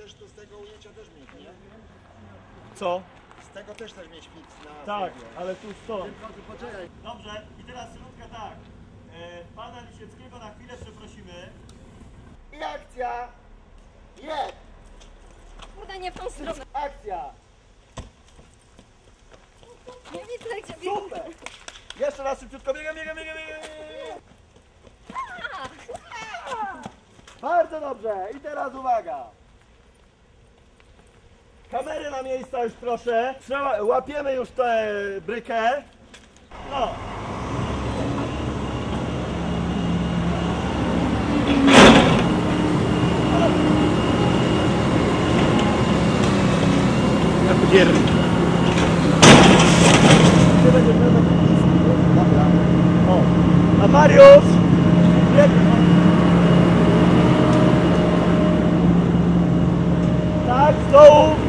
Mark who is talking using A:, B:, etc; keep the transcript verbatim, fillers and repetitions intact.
A: możesz tu z tego ujęcia też mieć, nie?
B: Co?
A: Z tego też też mieć fit na
B: Tak,
A: filmie.
B: ale tu stąd.
A: Poczekaj.
B: Dobrze, i teraz Sylwetka tak. E, pana Lisieckiego na chwilę przeprosimy.
A: I akcja! Jest!
C: Kurde, nie w tą stronę.
A: Akcja!
C: Nie widzę, gdzie biegnie.
B: Super! Jeszcze raz szybciutko, biegam, biegam, biegam, biegam.
A: Bardzo dobrze! I teraz uwaga!
B: Kamery na miejsca już proszę. Trzeba, łapiemy już tę brykę. No. O, a Mariusz! Tak, z dołu!